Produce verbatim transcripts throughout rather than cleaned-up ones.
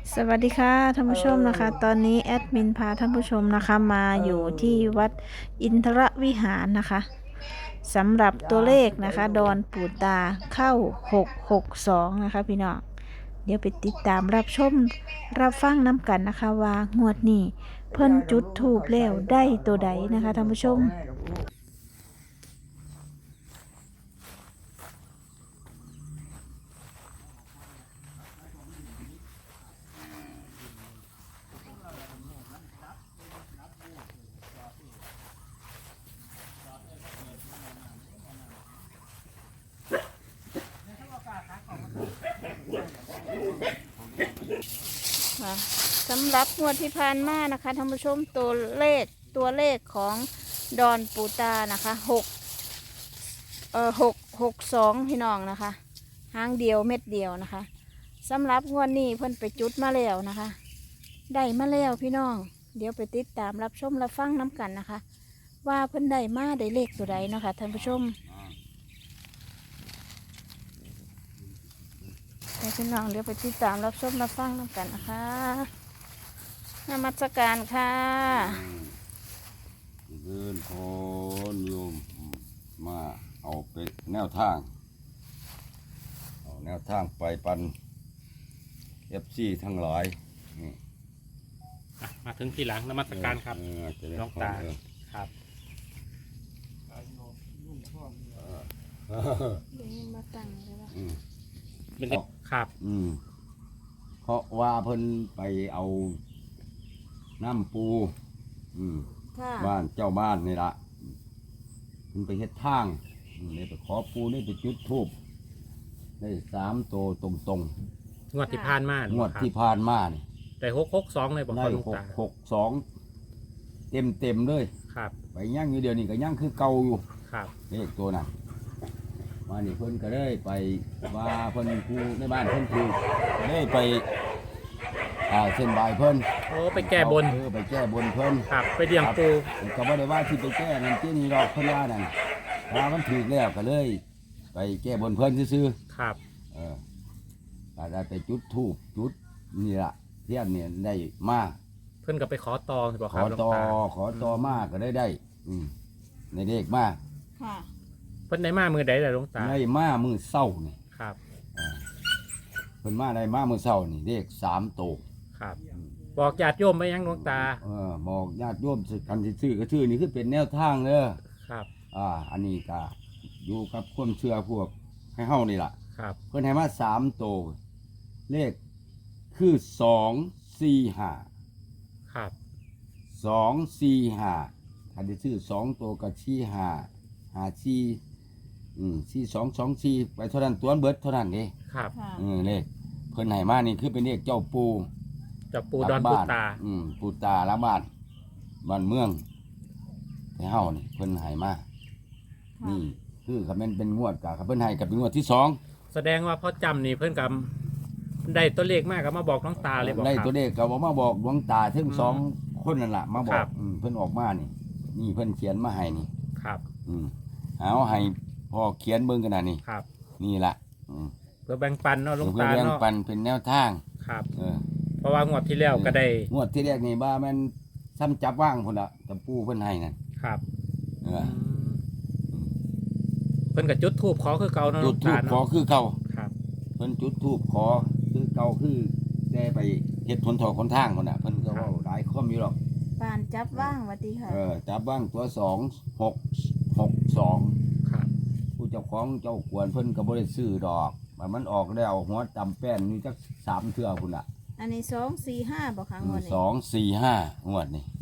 สวัสดีค่ะท่านผู้ชมนะคะตอนนี้แอดมินพาท่านผู้ชมนะคะมาอยู่ที่วัดอินทรวิหารนะคะสำหรับตัวเลขนะคะดอนปูตาเข้าหกหกสองนะคะพี่น้องเดี๋ยวไปติดตามรับชมรับฟังน้ำกันนะคะว่างวดนี้เพิ่นจุดถูกแล้วได้ตัวใดนะคะท่านผู้ชมค่ะสำหรับงวดที่ผ่านมานะคะท่านผู้ชมตัวเลขตัวเลขของดอนปูตานะคะหกเอ่อหกหกสองพี่น้องนะคะหางเดียวเม็ดเดียวนะคะสำหรับงวดนี้เพิ่นไปจุดมาแล้วนะคะได้มาแล้วพี่น้องเดี๋ยวไปติดตามรับชมรับฟังน้ำกันนะคะว่าเพิ่นได้มาได้เลขตัวใดเนาะคะท่านผู้ชมให้พี่น้องเดี๋ยวไปติดตามรับชมรับฟังน้ำกันนะคะนมัสการค่ะเดินพนโยมมาเอาไปแนวทางเอาแนวทางไปปันเอฟซีทั้งหลายนี่อ่ะมาถึงทีหลังนมัสการครับเออจะได้น้องตาเออครับเออเดี๋ยวมาตั้งเลยว่าอืมเป็นเด็กครับอืมเพราะว่าเพิ่นไปเอาน้ำปู อืมค่ะบ้านเจ้าบ้านนี่ละเพิ่นไปเฮ็ดทางอืมเลยไปขอปูนี่ไปจุดธูปได้สามโตวตรงๆงวดที่ผ่านมางวดที่ผ่านมานี่แต่หกหกสองเลยบอกได้เขาลุงหกตาหกสองเต็มเต็มๆเลยครับไปย่างอยู่เดียวนี่ก็ย่างคือเก่าอยู่ครับเลขตัวนั้นมานี่เพิ่นก็เลยไปว่าเพิ่นครูในบ้านเพิ่นครูก็เลยไปอ่าเส้นบายเพิ่นโอ้ไปแก้บนเออไปแก้บนเพิ่นครับไปเดี่ยงปูก็บ่ได้ว่าที่ไปแก้นั่นที่นี่หรอกเพิ่นว่านั่นว่ามันถูกแล้วก็เลย ไปแก้บนเพิ่นซื่อครับๆเออก็ได้ไปจุดธูปจุดนี่ล่ะเทียนเนี่ยได้มาเพื่อนก็ไปขอตอบอกขครัอบลุงต่อตาขอต่อมากก็ได้ได้ อืมในเลขมากค่ะเพื่อนได้มามือใดแต่ลุงตาในมามือเศร้านี่ครับอ่าเพิ่นมาได้มามือเศร้านี่เลขสามโตวครับ บอกญาติโยมไปยังลุงตาเออบอกญาติโยมสิกันสิซื้อก็ชื่อนี่คือเป็นแนวทางเด้อครับอ่า อันนี้ก็อยู่กับความเชื่อพวกให้เฮานี่ล่ะครับเพิ่นให้มาสามโตวเลขคือสองสี่ห้าครับสองสี่ห้าอันที่ซื้อสองโตวกับชี้ห้าห้าชี้อืมชี้สองสองชี้ไปเท่านั้นตัวเบิดเท่านั้นเด้ครับค่ะอืมเลขเพิ่นให้มานี่คือเป็นเลขเจ้าปูจับปูดอนปูตาอืมปูตาละบ้านบ้านเมืองให้เฮานี่เพิ่นให้มานี่คือคันแม่นเป็นงวดกะคันเพิ่นให้กับเป็นงวดที่สองแสดงว่าพ่อจำนี่เพื่อนกับได้ตัวเลขมากก็มาบอกน้องตาเลยบอกได้ครับตัวเลขก็บอกมาบอกดวงตาถึงอืมสองคนนั่นล่ะมาบอครักบอืมเพิ่นออกมานี่ นี่เพิ่นเขียนมาให้นี่ครับอืมเอาให้พ่อเขียนเบิ่งกันน่ะนี่ครับนี่ล่ะอืมเพื่อแบ่งปันเนาะลุงเพื่อตาแบ่งเนาะปันเป็นแนวทางครับเออเพราะว่างวดที่แล้วก็ได้งวดที่แรกนี่บ้าแม่นซ้ำจับว่างพุ่นละตะปูเพิ่นให้นั่นครับเออเพิ่นกับจุดทูบขอคือเก่าเนาะจุดธูปตาขอเนาะคือเก่าครับเพิ่นจุดธูปขอคือเก่าคือได้ไปเฮ็ดทนทอคนทางพุ่นน่ะเพิ่นก็เว้าหลายคอมอยู่หรอกปานจับว่างวัดีค่ะเออจับว่างตัวสองหกหกสองครับผู้เจ้าของเจ้ากวนเพิ่นก็บ่ได้ซื้อดอกมันมันออกแล้วหัวตำแป้นอยู่จักสามเทื่อพุ่นน่ะอันนี้สองสี่ห้าบอกค่ะงวดนี้สองสี่ห้างวดนี่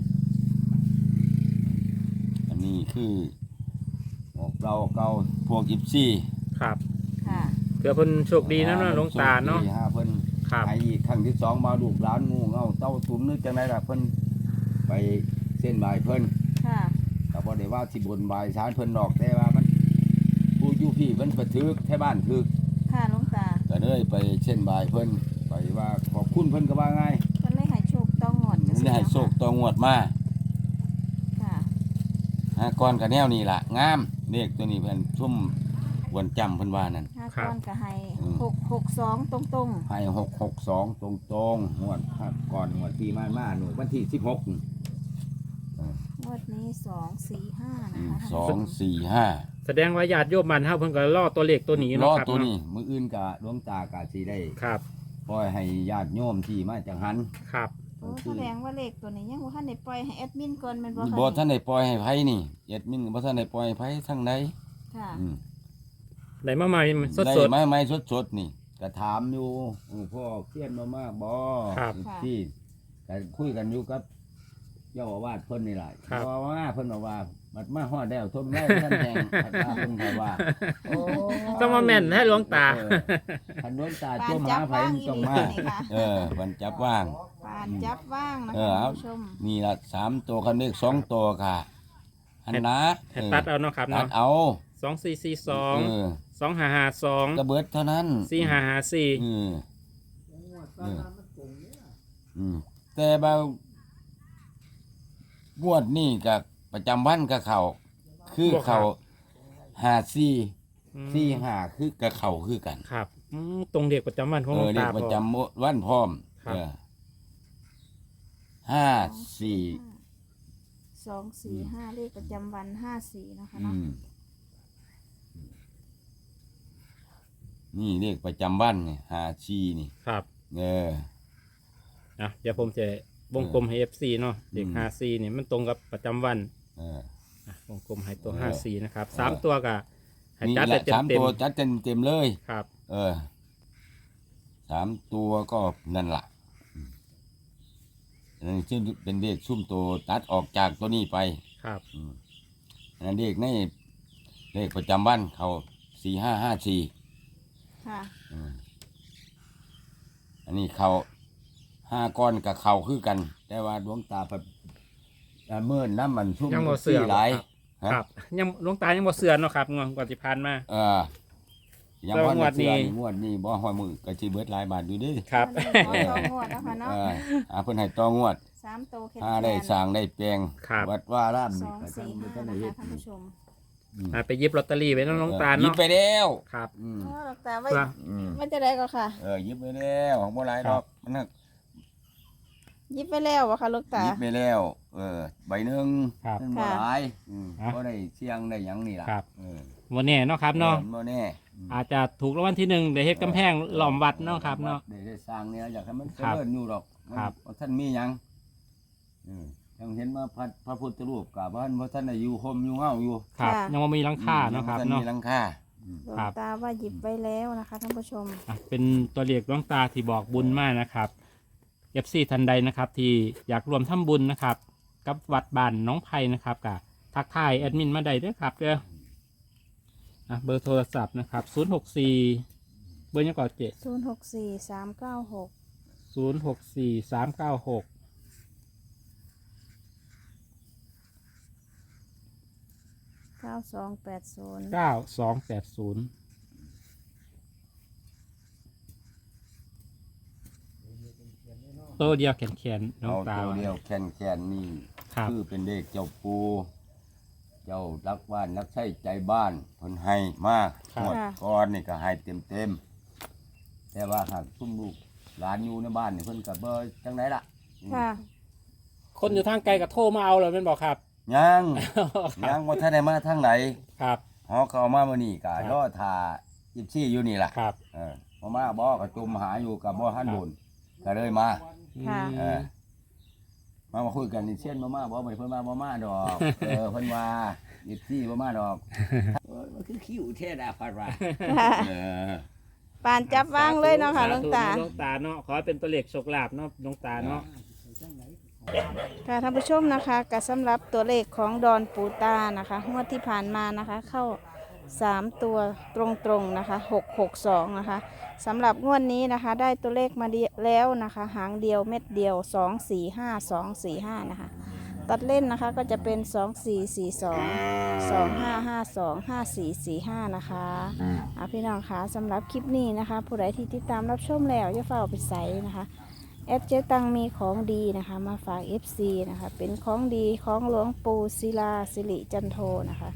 อันนี้คือออกเราเก่าพวกอิปซี่ครับค่ะเผื่อเพิ่นโชคดีนะเนาะหลวงตาเนาะโชคดีฮเพิ่นครับไอ้อีกครั้งที่สองมาลูกหลานงูเงาเต้าตุ้มนึกจังไดล่ะเพิ่นไปเส้นบายเพิ่นค่ะก็บ่ได้ว่าสิบนบายสารเพิ่นดอกแต่ว่ามันผู้อยู่พี่เพิ่นไปถึกแท้บ้านถึกค่ะหลวงตาก็เลยไปเส้นบายเพิ่นไปว่าขอบคุณเพิ่นก็ว่าไงเพิ่นเลยให้โชคต้องงวดจังมันซี้ได้ให้โชคต่องวดมาค่ะฮะก่อนก็แนวนี้ล่ะงามเลขตัวนี้เพิ่นชุ่มบวนจำเพิ่นว่านั่นห้าครับก้อนก็ให้อืมหกหกสองตรงให้หกหกสองตรงตรงๆงวดก่อนงวดที่มามาหนูวันที่สิบหกๆงวดนี้สองสี่ห้านะคะสอท่านงผู้ชมสี่ห้าแสดงว่าญาติโยมมันเฮาเพิ่นก็รอตัวเลขตัวนี้รเนาะอครับตัวเนาะนี้มืออื่นกะดวงตากะสีได้ครับปล่อยให้ญาติโยมที่มาจากหันครับโอ้แสดงว่าเลขตัวนี้ยังบ่ทันได้ปล่อยให้แอดมินก่อนแม่นบ่บ่คะท่านได้ปล่อยให้ไผนี่เอ็ดมินบ่ท่านได้ปล่อยให้ไผทั้งใดค่ะอืมได้มาใหม่สดได้สดไม้ไม้สดๆนี่ก็ถามอยู่เออพ่อเครียดมามากบ่ครับที่ก็คุยกันอยู่กับเจ้าอาวาสเพิ่นนี่แหละครับเจ้าอาวาสเพิ่นบอกว่าบัดมาฮอดแล้วทนได้ท่านแหงบัดมาเพิ่นก็ว่าโอ้ต้องมาแม่นให้หลวงตาเออคันหลวงตาปาจนมจัหาบไผว่างมันอีต้องหลีมานี่ค่ะเออมันจับว่างปานจับว่างนะเอคะอท่าเอานผู้ชมนี่ละสามตัวคันเลขสองตัวค่ะอันนะให้ตัดเอาเนาะครับตัเนาะดเอาสองสี่สี่สองเออสองห้าห้าสองกระเบิดเท่านั้นสี่ห้าห้าสี่อืมเอออืมแต่บางงวดนี่กับประจำวันกับเขาคือเขาหาซี่ซี่หาคือกับเขาคือกันครับอืมตรงเด็กประจำวันของเอหลวอง เรียตากประบอกจำวันพร้อมครับเออห้าสี่สองสี่ห้าเลขประจำวันห้าสี่นะคะอืเนาะมนี่เลขประจำวันนี่หาชีนี่ครับเออนะเดี๋ยวผมจะวงกลมให้ เอฟ ซี เนาะเด็กอืมห้าสี่เนี่ยมันตรงกับประจำวันเอออ่ะวงกลมให้ตัวเออห้าสี่นะครับเออสามตัวกับให้นี่จัดแหไปละเต็สาม มเต็มตัวจัดเต็มเต็มๆเลยครับเออสามตัวก็นั่นล่ะอืมอันนั้นซึ่งเป็นเลขซุ่มตัวตัดออกจากตัวนี้ไปครับอืมอันนั้นเลขในเลขประจำวันเขาสี่ห้าห้าสี่ค่ะอันนี้เขาห้าก้อนกับเขาคือกัน แต่ว่าดวงตาแบบเมื่อน้ำมันซุ่มยังบ่เสื่อมหลายคฮะรับยังหลวงตายังบ่เสือนเนาะครับงวดก่อนที่ผ่านมาเออยังแล้วพองวดนี้เสืองวดนี้บ่หอยมือกะจีเบิดหลายบาทอยู่เดิครับขอสองงวดนะคะเอเนาะออาเพิ่นให้ต่องวดสามโตวแค่ถ้าได้สร้างได้แปลงครับวัดว่าร่ามสองสี่ห้าก็นะได้เฮ็คะดท่านผู้ชมอ่ะไปหยิบลอตเตอรี่ไว้เนาะหลวงตาหยิบเนาะไปแล้วครับอืมอ๋อหลวงตาว่าเพื่ออืมว่าจะได้ก็ค่ะเออหยิบไปแล้วของบ่หลายดอกมันน่ะยิบไปแล้ววะค่ะหลูกตาหยิบไปแล้ว เออใบหนึงครับมันบ่ค่ะหลายอืมอ่ะบ่ได้เสี่ยงได้หยังนี่ล่ะครับเออวันนี้เนาะครับเนาะออบ่แน่อืมอาจจะถูกรางวัลที่หนึ่งเดี๋ยวเฮ็ดกำแพงหล้อมวัดเนาะครับเนาะได้ได้สร้างเนี่ยอยากให้มันเจครับริญอยู่ดอกมันครับบ่ท่านมีหยังเออยังเห็นว่าพระพระพุทธรูปกับว่าบ่ท่านได้อยู่ห่มอยู่เฮาอยู่ครับค่ะยังบ่มีหลังคาเนาะครับยังบ่ทัเนาะมีหลังคาอืมหลวงครับตาว่าหยิบไปแล้วนะคะท่านผู้ชมอ่ะเป็นตัวเลขดวงตาที่บอกบุญมากนะครับเอฟซีทันใดนะครับที่อยากรวมทำบุญนะครับ กับวัดบ้านน้องไผ่นะครับกับทักทายแอดมินมาได้ด้วยครับเด้ออ่ะเบอร์โทรศัพท์นะครับศูนย์หกสี่เบอร์ยังก่อนเจ็ดศูนย์หกสี่สามเก้าหกศูนย์หกสี่สามเก้าหกเก้าสองแปดศูนย์เก้าสองแปดศูนย์ตัวเดียวแขนแขนๆน้องเอาตาตัวเดียวแคนแคนๆนี่ครับคือเป็นเลขเจ้าปูเจ้ารักบ้านรักใช้ใจบ้านเพิ่นให้มากหมดก้อนนี่ก็ให้เต็มเต็มๆแต่ว่าหากซุ่มลูกหลานอยู่ในบ้านนี่เพิ่นก็บ่จังไดล่ะค่ะคนอยู่ทางไกลก็โทรมาเอาเลยเป็นบอกครับยังยังบ่ทันได้มาทางไหนครับเฮาเข้ามามื้อนี้ก็ครับรอท่ายี่สิบสี่อยู่นี่ล่ะครับเออบ่มาบ่ก็จุ่มหาอยู่กับบ่ทันบุญก็เลยมาค่ะเออมามาคุยกันนี่เช่นมามาบอกไปเพิ่นมาบ่มาดอก เออเพิ่นว่ายิบซี่บ่มาดอกเออมันคือคิ้วแท้ดาพัดว่าเออปานจับว่างเลยเนาะค่ะหลวงตาหลวงตาเนาะขอให้เป็นตัวเลขโชคลาภเนาะหลวงตาเนาะค่ะท่านผู้ชมนะคะกับสำหรับตัวเลขของดอนปูตานะคะงวดที่ผ่านมานะคะ เข้าสามตัวตรงๆนะคะหกหกสองนะคะสำหรับงวดนี้นะคะ ได้ตัวเลขมาดีแล้วนะคะ หางเดียวเม็ดเดียวสองสี่ห้าสองสี่ห้านะคะ ตัดเล่นนะคะก็จะเป็นสองสี่สี่สองสองห้าห้าสองห้าสี่สี่ห้านะคะอ่ะพี่น้องคะสำหรับคลิปนี้นะคะ ผู้ใดที่ติดตามรับชมแล้วอย่าเฝ้าไปใส่นะคะ แอดเจ๊ตังมีของดีนะคะ มาฝาก เอฟ ซี นะคะ เป็นของดีของหลวงปู่ศิลาสิริจันโทนะคะ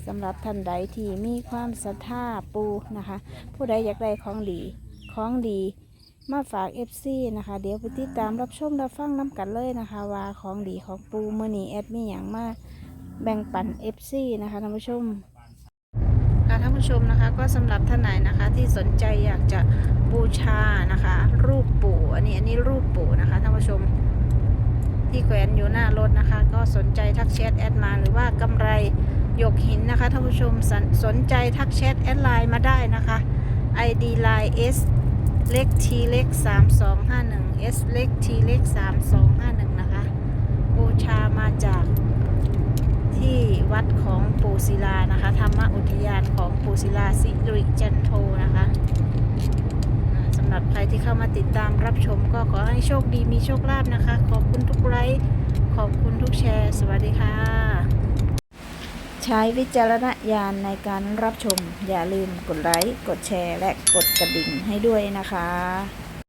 สำหรับท่านใดที่มีความศรัทธาปูนะคะ ผู้ใดอยากได้ของดีของดีมาฝาก เอฟ ซี นะคะ เดี๋ยวไปติดตามรับชมรับฟังน้ำกันเลยนะคะ ว่าของดีของปูเมื่อนี้แอดมีอย่างมากแบ่งปัน เอฟ ซี นะคะท่านผู้ชมค่ะท่านผู้ชมนะคะก็สำหรับท่านไหนนะคะที่สนใจอยากจะบูชานะคะ รูปปู่อันนี้อันนี้รูปปู่นะคะท่านผู้ชมที่แขวนอยู่หน้ารถนะคะ ก็สนใจทักแชทแอดมาหรือว่ากำไรหยกหินนะคะท่านผู้ชมสนสนใจทักแชทแอดไลน์มาได้นะคะ ไอ ดี ไลน์ S เล็ก T เล็กสามสองห้าหนึ่ง S เล็ก T เล็กสามสองห้าหนึ่งนะคะบูชามาจากที่วัดของปู่ศิลานะคะธรรมอุทยานของปู่ศิลาสิริจันโทนะคะอ่าสำหรับใครที่เข้ามาติดตามรับชมก็ขอให้โชคดีมีโชคลาภนะคะ ขอบคุณทุกไลค์ขอบคุณทุกแชร์สวัสดีค่ะ ใช้วิจารณญาณในการรับชมอย่าลืมกดไลค์กดแชร์และกดกระดิ่งให้ด้วยนะคะ